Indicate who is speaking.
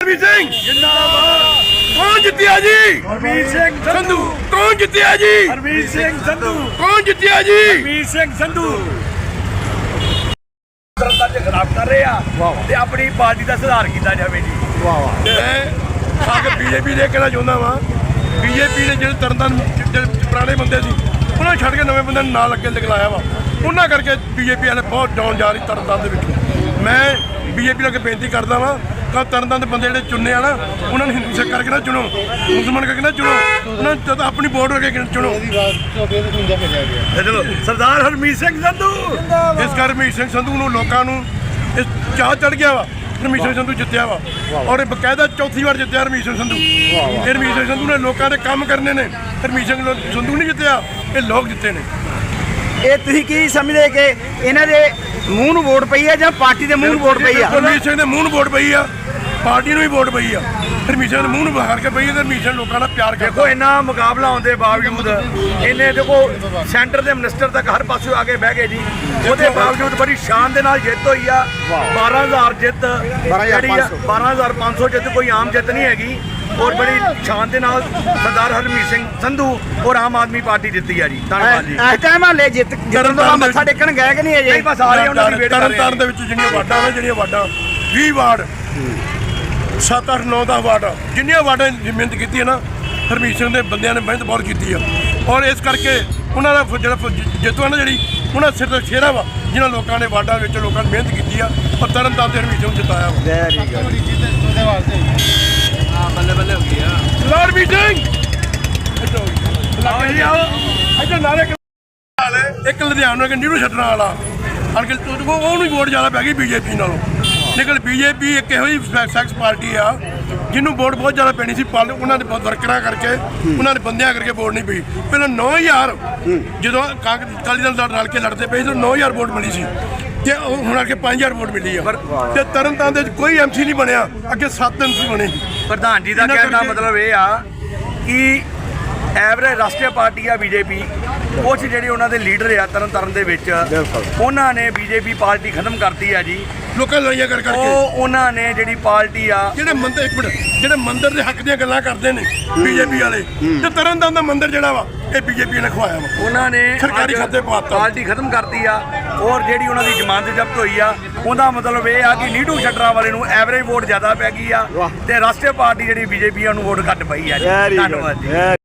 Speaker 1: हरमीत सिंह जिंदाबाद। कौन जितिया जी?
Speaker 2: हरमीत सिंह संधू।
Speaker 1: कौन जितिया जी?
Speaker 2: हरमीत सिंह संधू।
Speaker 1: कौन जितिया जी?
Speaker 2: हरमीत सिंह संधू। खराब कर रहे हैं अपनी पार्टी का सुधार किया जाए जी।
Speaker 1: मैं बीजेपी ने कहना चाहता वा बीजेपी ने जो तरनताਰਨ पुराने बंदे सी उन्होंने छड़ के नवे बंदे नाल अगे लिखलाया वा उन्होंने करके बीजेपी वाले बहुत डाउन जा रही तरनताਰਨ। मैं बीजेपी अगे बेनती करता वा कि तरनताਰਨ के बंदे जो चुने ना उन्होंने हिंदू सिख करके ना चुनो, मुसलमान करके ना चुनो, उन्होंने अपनी वोट करके चुनो।
Speaker 2: सरदार हरमीत सिंह संधू।
Speaker 1: इस कर हरमीत सिंह संधू लोगों चाह चढ़ गया वा हरमीत सिंह संधू जितया वा और बकायदा चौथी बार जितया हरमीत सिंह संधू। हरमीत सिंह संधू ने लोगों के काम करने ने, हरमीत सिंह संधू नहीं जितया, ये लोग जिते ने।
Speaker 3: ਇਹ ਤੁਸੀਂ ਕੀ ਸਮਝਦੇ ਕਿ ਇਹਨਾਂ ਦੇ ਮੂੰਹ ਨੂੰ ਵੋਟ ਪਈ ਹੈ ਜਾਂ ਪਾਰਟੀ ਦੇ ਮੂੰਹ ਨੂੰ ਵੋਟ ਪਈ ਆ?
Speaker 1: ਹਰਮੀਤ ਸਿੰਘ ਦੇ ਮੂੰਹ ਨੂੰ ਵੋਟ ਪਈ ਆ, ਪਾਰਟੀ ਨੂੰ ਵੀ ਵੋਟ ਪਈ ਆ। ਹਰਮੀਤ ਸਿੰਘ ਦੇ ਮੂੰਹ ਨੂੰ ਬਾਹਰ ਕੇ ਪਈ ਹੈ ਤੇ ਹਰਮੀਤ ਸਿੰਘ ਲੋਕਾਂ ਦਾ ਪਿਆਰ ਕਰਦਾ।
Speaker 2: देखो इन्ना मुकाबला होने के बावजूद इन्हें देखो सेंटर के मिनिस्टर तक हर पासे आके बह गए जी। उसके बावजूद बड़ी शान के नाल जित हुई आ। 12,000 जित, 12,500 जित कोई आम जित नहीं हैगी और बड़ी शान के नाल सरदार हरमीत सिंह संधू और आम आदमी पार्टी जीती है जी। धन्यवाद जी।
Speaker 3: ਇਸ ਟਾਈਮ ਹਾਲੇ ਜਿੱਤਣ ਤੋਂ ਮੱਥਾ ਟੇਕਣ ਗਏ ਕਿ ਨਹੀਂ ਅਜੇ?
Speaker 2: नहीं बस आ रहे हैं उन्होंने वेट कर रहे हैं।
Speaker 1: ਤਰਨਤਾਰਨ ਦੇ ਵਿੱਚ ਜਿਹੜੀਆਂ ਵਾਰਡਾਂ ਨੇ, ਜਿਹੜੀਆਂ ਵਾਰਡਾਂ 20 ਵਾਰਡ 7, 8, 9, 10 ਵਾਰਡ ਜਿੰਨੀਆਂ ਵਾਰਡਾਂ ਦੀ ਮਿਹਨਤ ਕੀਤੀ ਹੈ ਨਾ ਹਰਮੀਤ ਸਿੰਘ ਦੇ ਬੰਦਿਆਂ ਨੇ ਮਿਹਨਤ ਬਹੁਤ ਕੀਤੀ ਆ ਔਰ ਇਸ ਕਰਕੇ ਉਹਨਾਂ ਦਾ ਜਿਹੜਾ ਜਿੱਤੂ ਹੈ ਨਾ ਜਿਹੜੀ ਉਹਨਾਂ ਸਿਰ ਤੇ ਸ਼ੇਰਾ ਵਾ ਜਿਨ੍ਹਾਂ ਲੋਕਾਂ ਨੇ ਵਾਰਡਾਂ ਵਿੱਚ ਲੋਕਾਂ ਨੇ ਮਿਹਨਤ ਕੀਤੀ ਆ ਔਰ ਤਰਨਤਾਰਨ ਤੇ ਹਰਮੀਤ ਸਿੰਘ ਨੂੰ ਜਿਤਾਇਆ ਵਾ।
Speaker 2: बल्ले बल्ले हो गया
Speaker 1: ਹਰਮੀਤ ਸਿੰਘ ਇੱਧਰ ਨਾਰੇ ਇੱਕ ਲੁਧਿਆਣਾ ਕਿ ਨੀਰੂ ਛੱਡਣ ਵਾਲਾ ਅਨਕਲ ਉਹਨੂੰ ਵੋਟ ਜ਼ਿਆਦਾ ਪੈ ਗਈ ਬੀਜੇਪੀ ਨਾਲੋਂ। ਲੇਕਿਨ ਬੀਜੇਪੀ ਇੱਕ ਇਹੋ ਜਿਹੀ ਸੈਕਸ ਪਾਰਟੀ ਆ ਜਿਹਨੂੰ ਵੋਟ ਬਹੁਤ ਜ਼ਿਆਦਾ ਪੈਣੀ ਸੀ ਉਹਨਾਂ ਦੇ ਵਰਕਰਾਂ ਕਰਕੇ ਉਹਨਾਂ ਦੇ ਬੰਦਿਆਂ ਕਰਕੇ ਵੋਟ ਨਹੀਂ ਪਈ। ਪਹਿਲਾਂ 9,000 ਜਦੋਂ ਅਕਾਲੀ ਦਲ ਨਾਲ ਰਲ ਕੇ ਲੜਦੇ ਪਏ ਤਾਂ 9,000 ਵੋਟ ਮਿਲੀ ਸੀ ਤੇ ਹੁਣ ਆ ਕੇ 5,000 ਵੋਟ ਮਿਲੀ ਆ ਤੇ ਤਰਨਤਾਰਨ ਦੇ ਕੋਈ ਐਮਸੀ ਨਹੀਂ ਬਣਿਆ, ਅੱਗੇ 7 ਐਮਸੀ ਬਣੇ।
Speaker 2: प्रधान जी का कहने का मतलब ये आ कि एवरेज राष्ट्रीय पार्टी आ बीजेपी कुछ ਜਿਹੜੇ ਉਹਨਾਂ ਦੇ ਲੀਡਰ ਆ ਤਰਨਤਾਰਨ ਦੇ ਵਿੱਚ ਉਹਨਾਂ ਨੇ ਬੀਜੇਪੀ ਪਾਰਟੀ ਖਤਮ ਕਰਤੀ ਆ ਜੀ।
Speaker 1: ਲੋਕਾਂ ਲੜਾਈਆਂ ਕਰ ਕਰਕੇ
Speaker 2: ਉਹਨਾਂ ਨੇ ਜਿਹੜੀ ਪਾਰਟੀ ਆ
Speaker 1: ਜਿਹੜੇ ਮੰਦਰ ਇੱਕ ਮਿੰਟ ਜਿਹੜੇ ਮੰਦਰ ਦੇ ਹੱਕ ਦੀਆਂ ਗੱਲਾਂ ਕਰਦੇ ਨੇ ਬੀਜੇਪੀ ਵਾਲੇ ਤੇ ਤਰਨਤਾਰਨ ਦਾ ਮੰਦਰ ਜਿਹੜਾ ਵਾ ਇਹ ਬੀਜੇਪੀ ਨੇ ਖਵਾਇਆ ਵਾ।
Speaker 2: ਉਹਨਾਂ ਨੇ
Speaker 1: ਸਰਕਾਰੀ ਖਾਤੇ ਪਾਤਾ,
Speaker 2: ਪਾਰਟੀ ਖਤਮ ਕਰਤੀ ਆ ਔਰ ਜਿਹੜੀ ਉਹਨਾਂ ਦੀ ਜ਼ਮਾਨਤ ਜ਼ਬਤ ਹੋਈ ਆ ਉਹਦਾ ਮਤਲਬ ਇਹ ਆ ਕਿ ਨੀਟੂ ਛੱਡਰਾ ਵਾਲੇ ਨੂੰ ਐਵਰੇਜ ਵੋਟ ਜ਼ਿਆਦਾ ਪੈ ਗਈ ਆ ਤੇ ਰਾਸ਼ਟਰੀ ਪਾਰਟੀ ਜਿਹੜੀ ਬੀਜੇਪੀ ਨੂੰ ਵੋਟ ਘੱਟ ਪਈ ਆ ਜੀ। ਧੰਨਵਾਦ ਜੀ।